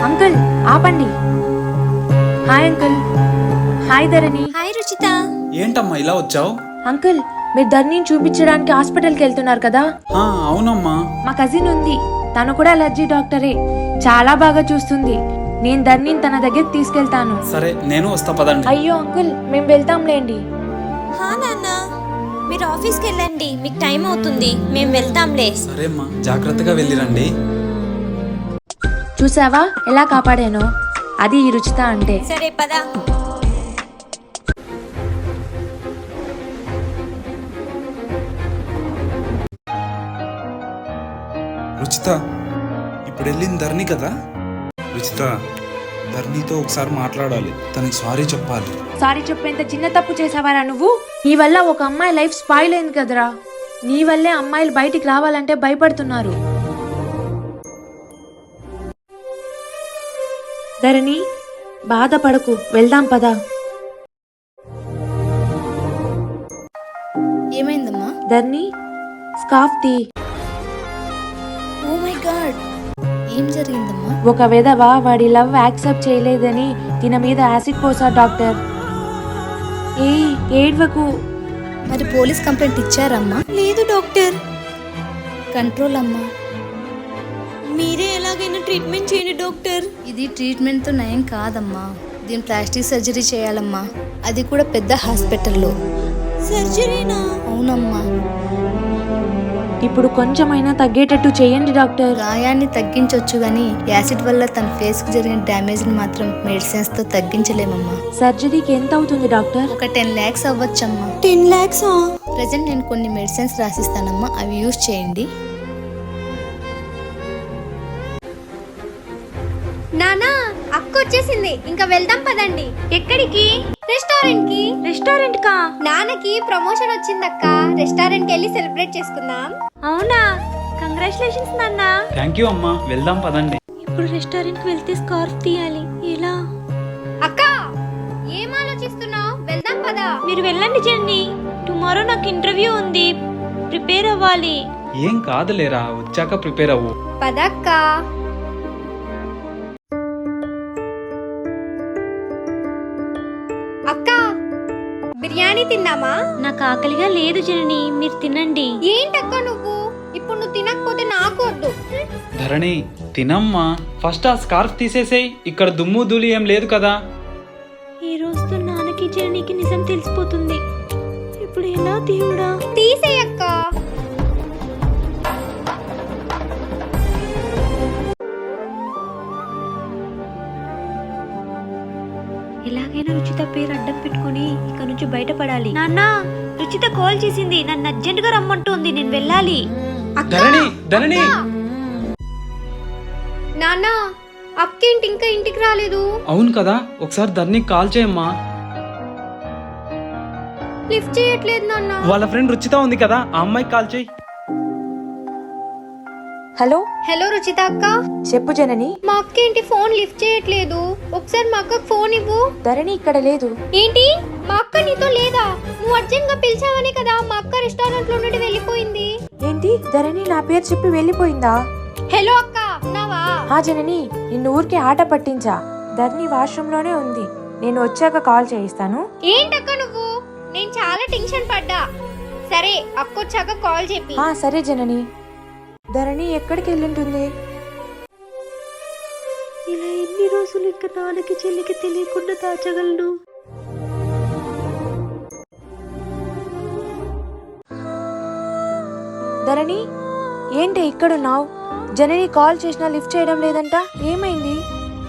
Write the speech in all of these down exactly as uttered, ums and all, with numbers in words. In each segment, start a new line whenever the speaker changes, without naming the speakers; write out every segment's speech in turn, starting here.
Uncle ఆపండి. Hi uncle. Hi Dharani.
Hi Ruchita.
ఏంటమ్మా ఇలా వచ్చావు?
అంకుల్ మీరు ధరణిని చూపించడానికి హాస్పిటల్కి వెళ్తున్నారు కదా?
అవునమ్మా.
మా కజిన్ ఉంది, తను కూడా అలర్జీ డాక్టరే, చాలా బాగా చూస్తుంది. నేను ధరణిని తన దగ్గరికి తీసుకెళ్తాను.
సరే నేను వస్తా పదండి.
అయ్యో అంకుల్ మేము వెళ్తాంలేండి.
హా నాన్న, మీరు ఆఫీస్కి వెళ్ళండి, మీకు టైం అవుతుంది, మేము వెళ్తాంలే.
సరే అమ్మా, జాగ్రత్తగా వెళ్ళిరండి.
చూసావా ఎలా కాపాడానో? అది ఈ రుచిత అంటే.
సరే పదా.
రుచిత, ఇప్పుడు వెళ్ళింది ధరణి కదా? రుచిత, ధరణితో ఒకసారి మాట్లాడాలి, తనకి సారీ చెప్పాలి.
సారీ చెప్పేంత చిన్న తప్పు చేసావారా నువ్వు? నీ వల్ల ఒక అమ్మాయి లైఫ్ స్పాయిల్ అయింది కదరా. నీ వల్లే అమ్మాయిలు బయటికి రావాలంటే భయపడుతున్నారు. ధరణి బాధపడకు, వెళ్దాం పదా.
ఏమైందమ్మా?
ధరణి స్కార్ఫ్ తీ.
ఓ మై గాడ్, ఏం జరిగిందమ్మా?
ఒక విధవ వాడి లవ్ యాక్సెప్ట్ చేయలేదని తిన మీద యాసిడ్ పోసా డాక్టర్. ఏ ఏడ్వకు.
మరి పోలీస్ కంప్లైంట్ ఇచ్చారమ్మా?
లేదు డాక్టర్.
కంట్రోల్ అమ్మా.
మీరే ఎలాగైనా ట్రీట్మెంట్ చేయండి డాక్టర్.
ఇది ట్రీట్మెంట్తో నయం కాదమ్మా, దీని ప్లాస్టిక్ సర్జరీ చేయాలమ్మా, అది కూడా పెద్ద హాస్పిటల్లో.
సర్జరీనా?
అవునమ్మా.
ఇప్పుడు కొంచెమైనా తగ్గేటట్టు చేయండి డాక్టర్.
గాయాన్ని తగ్గించవచ్చు గానీ యాసిడ్ వల్ల తన ఫేస్ కు జరిగిన డ్యామేజ్ ని మాత్రం మెడిసిన్స్ తో తగ్గించలేమమ్మా.
సర్జరీకి ఎంత అవుతుంది డాక్టర్?
ఒక టెన్ ల్యాక్స్ అవ్వచ్చమ్మా.
టెన్ ల్యాక్సా?
ప్రజెంట్ నేను కొన్ని మెడిసిన్స్ రాసిస్తానమ్మా, అవి యూజ్ చేయండి.
నానా అక్క వచ్చేసింది, ఇంకా వెళ్దాం పదండి.
ఎక్కడికి?
రెస్టారెంట్ కి.
రెస్టారెంట్ కా?
నాన్నకి ప్రమోషన్ వచ్చిందక్క, రెస్టారెంట్ కి వెళ్ళి సెలబ్రేట్ చేసుకుందాం.
అవునా, కంగ్రాచులేషన్స్ నాన్న.
థ్యాంక్ యూ అమ్మా, వెళ్దాం పదండి.
ఇప్పుడు రెస్టారెంట్ కి వెళ్తే స్కార్ఫ్ తీయాలి, ఎలా?
అక్క ఏం ఆలోచిస్తున్నావు? వెళ్దాం పదా.
మీరు వెళ్ళండి జెన్నీ, టుమారో నాకు ఇంటర్వ్యూ ఉంది, ప్రిపేర్ అవ్వాలి.
ఏం కాదులేరా, వచ్చాక ప్రిపేర్ అవ్వు.
పదక్క. అక్క బిర్యానీ తిన్నామా?
నాకు ఆకలిగా లేదు జనని, మీరు తినండి.
ఏంటక్క నువ్వు ఇప్పుడు నువ్వు తినకపోతే నాకు వద్దు.
ధరణి తినమ్మా, ఫస్ట్ ఆ స్కార్ఫ్ తీసేసేయ్, ఇక్కడ దుమ్ము ధూళి ఏం లేదు కదా.
ఈ రోజుతో నాన్నకి జననికి నిజం తెలిసిపోతుంది, ఇప్పుడు ఎలా దేవుడా?
తీసేయక్క.
ఎలాగైనా రుచిత పేరు అడ్డం పెట్టుకుని ఇక నుంచి బయటపడాలి. నాన్న, రుచిత కాల్ చేసింది, నన్ను అర్జెంట్ గా రమ్మంటుంది, నేను వెళ్ళాలి.
ధరణి ధరణి
నాన్న అక్కేంటి ఇంకా ఇంటికి రాలేదు?
అవును కదా, ఒకసారి ధరణికి కాల్ చేయమ్మా.
లిఫ్ట్ చేయట్లేదు నాన్న.
వాళ్ళ ఫ్రెండ్ రుచిత ఉంది కదా, ఆ అమ్మాయికి కాల్ చేయి.
హలో
హలో రుచిత అక్క.
చెప్పు జనని.
మా అక్కేంటి ఫోన్ లిఫ్ట్ చేయట్లేదు, ఒకసారి మా అక్కకు ఫోన్ ఇవ్వు.
ధరణి ఇక్కడ లేదు.
ఏంటి, మా అక్క నీతో లేదా? నువ్వు అర్జెంట్ గా పిలిచావని కదా మా అక్క రెస్టారెంట్ లో నుండి వెళ్ళిపోయింది.
ఏంటి ధరణి నా పేరు చెప్పి వెళ్ళిపోయిందా?
హలో అక్క, ఉన్నావా?
హా జనని, నిన్ను ఊరికే ఆట పట్టించా. ధరణి వాష్రూమ్ లోనే ఉంది, నేను వచ్చాక కాల్ చేయిస్తాను.
ఏంటక్క నువ్వు? నేను చాలా టెన్షన్ పడ్డా. సరే అక్క వచ్చాక కాల్ చెప్పి.
ఆ సరే జనని. ధరణి ఎక్కడికి వెళ్ళింటుంది?
ఇలా ఎన్ని రోజులు ఇంకా నాన్నకి చెల్లికి తెలియకుండా దాచగలను?
ధరణి ఏంటి ఇక్కడున్నావు? జనని కాల్ చేసినా లిఫ్ట్ చేయడం లేదంట, ఏమైంది?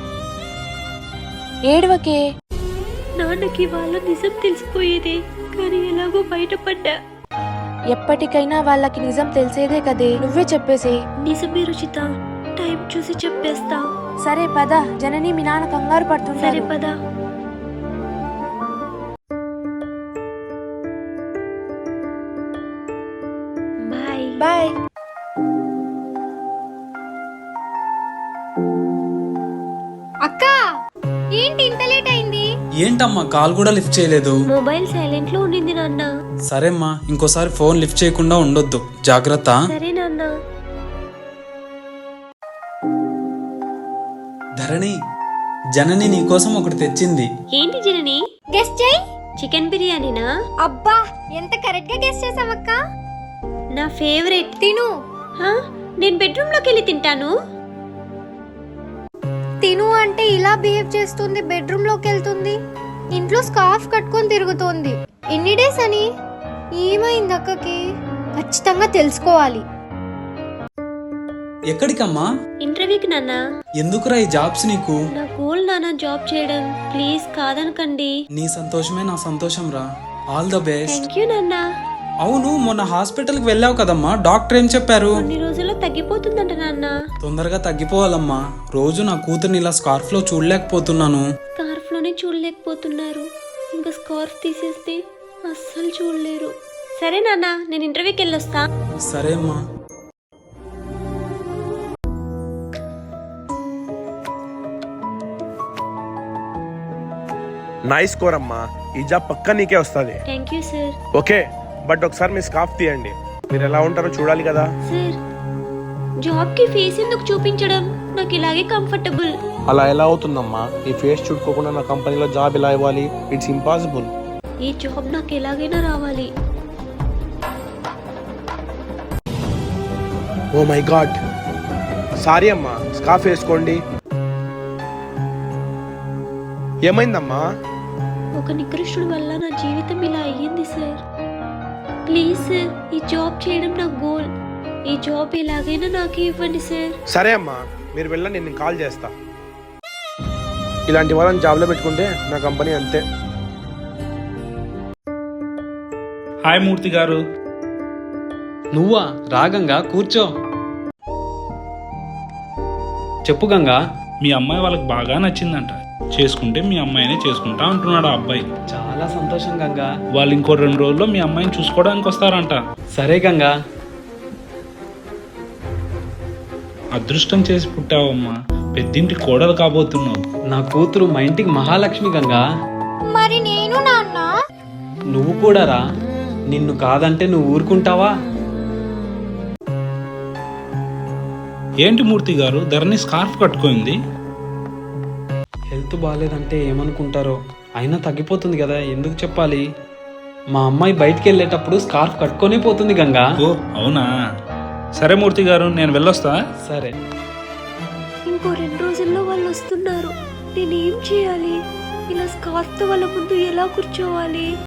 ఏడవకే.
నాన్నకి వాళ్ళ నిజం తెలిసిపోయేది, కానీ ఎలాగో బయటపడ్డా.
ఎప్పటికైనా వాళ్ళకి నిజం తెలిసేదే కదే, నువ్వే చెప్పేసి.
నిజమే రుచిత, టైం చూసి చెప్పేస్తా.
సరే పద, జనని మీ నాన్న కంగారు
సరే
పడుతుంటారు.
పద. Bye
bye.
అక్క ఏంటి ఇంత లేట్ అయింది?
ఏంటమ్మా కాల్ కూడా లిఫ్ట్ చేయలేదు?
మొబైల్ సైలెంట్ లో ఉండింది నాన్న.
సరేమ్మా, ఇంకోసారి ఫోన్ లిఫ్ట్ చేయకుండా ఉండొద్దు, జాగ్రత్త.
సరే నాన్న.
ధరణి, జనని నీకోసం ఒకటి తెచ్చింది.
ఏంటి జనని?
గెస్ చేయి.
చికెన్ బిర్యానీనా?
అబ్బా ఎంత కరెక్ట్ గా గెస్ చేసావక్క.
నా ఫేవరెట్.
తిను
హా? నేను బెడ్రూమ్ లోకి వెళ్ళి తింటాను.
తిను అంటే ఇలా బిహేవ్ చేస్తుంది, బెడ్రూమ్ లోకి వెళ్తుంది, ఇంట్లో స్కార్ఫ్ కట్టుకొని తిరుగుతోంది. ఎన్ని డేస్ అని? ఏమైంది అక్కకి? ఖచ్చితంగా తెలుసుకోవాలి.
ఎక్కడికమ్మా?
ఇంటర్వ్యూకి నాన్న.
ఎందుకురా ఈ జాబ్స్ నీకు?
నా గోల్ నాన్న జాబ్ చేయడం. ప్లీజ్ కాదనకండి.
నీ సంతోషమే నా సంతోషం రా. All the best.
Thank you నాన్న.
అవును, మొన్న హాస్పిటల్కి వెళ్ళావు కదమ్మా, డాక్టర్ ఏం చెప్పారు?
కొన్ని రోజుల్లో తగ్గిపోతుందంట నాన్న.
తొందరగా తగ్గిపోవాలమ్మా. రోజు నా కూతుర్ని ఇలా స్కార్ఫ్ లో చూడలేకపోతున్నాను.
స్కార్ఫ్ లోనే చూడలేకపోతున్నారు, ఇంకా స్కార్ఫ్ తీసేస్తే అస్సలు చూడలేరు. సరే నాన్న, నేను ఇంటర్వ్యూకి వెళ్ళొస్తా.
సరే అమ్మా.
నైస్ స్కోర్ అమ్మా, ఈ జాబ్ పక్కా నీకే వస్తుంది.
Thank you sir.
Okay, but ఒకసారి మీ స్కార్ఫ్ తీయండి, మీరు ఎలా ఉంటారో చూడాలి కదా.
సార్, జాబ్ కి ఫేస్ ఎందుకు చూపించడం? నాకు ఇలాగే కంఫర్టబుల్.
అలా ఎలా అవుతుందమ్మా? ఈ ఫేస్ చూడుకోకుండా నా కంపెనీలో జాబ్ ఎలా ఇవ్వాలి? It's impossible.
ఈ జాబ్ నాకు ఎలాగైనా రావాలి.
ఓ మై గాడ్, సారీ అమ్మా, స్కార్ఫ్ వేసుకోండి. ఏమైందమ్మా?
ఒక నికృష్టుడి వల్ల నా జీవితం ఇలా అయ్యింది సార్. ప్లీజ్ సార్, ఈ జాబ్ చేయడం నా గోల్. ఈ జాబ్ ఎలాగైనా నాకు ఇవ్వండి సార్.
సరే అమ్మా, మీరు వెళ్ళండి, నేను కాల్ చేస్తా. ఇలాంటి వాళ్ళని జాబ్లో పెట్టుకుంటే నా కంపెనీ అంతే.
హాయ్ మూర్తి గారు.
నువ్వా? రా గంగా, కూర్చో. చెప్పు గంగా.
మీ అమ్మాయి వాళ్ళకి బాగా నచ్చిందంట, చేసుకుంటే మీ అమ్మాయినే చేసుకుంటా అంటున్నాడు ఆ అబ్బాయి.
చాలా సంతోషం గంగా.
వాళ్ళు ఇంకో రెండు రోజుల్లో మీ అమ్మాయిని చూసుకోవడానికి వస్తారంట.
సరే గంగా.
అదృష్టం చేసి పుట్టావమ్మా, పెద్దింటి కోడలు కాబోతున్నావు.
నా కూతురు మా ఇంటికి మహాలక్ష్మి గంగా.
మరి నేను నాన్న?
నువ్వు కూడా రా. నిన్ను కాదంటే నువ్వు ఊరుకుంటావా?
ఏంటి మూర్తి గారు, ధరణి స్కార్ఫ్ కట్టుకుంది?
హెల్త్ బాగాలేదంటే ఏమనుకుంటారో, అయినా తగ్గిపోతుంది కదా, ఎందుకు చెప్పాలి? మా అమ్మాయి బయటికి వెళ్ళేటప్పుడు స్కార్ఫ్ కట్టుకొనే పోతుంది గంగా.
ఓ అవునా? సరే మూర్తి గారు, నేను వెళ్ళొస్తా.
సరే.
ఇంకో రెండు రోజుల్లో వాళ్ళు వస్తున్నారు. నేనేం చేయాలి? ఇలా స్కార్ఫ్ తో వాళ్ళ ముందు ఎలా కూర్చోవాలి?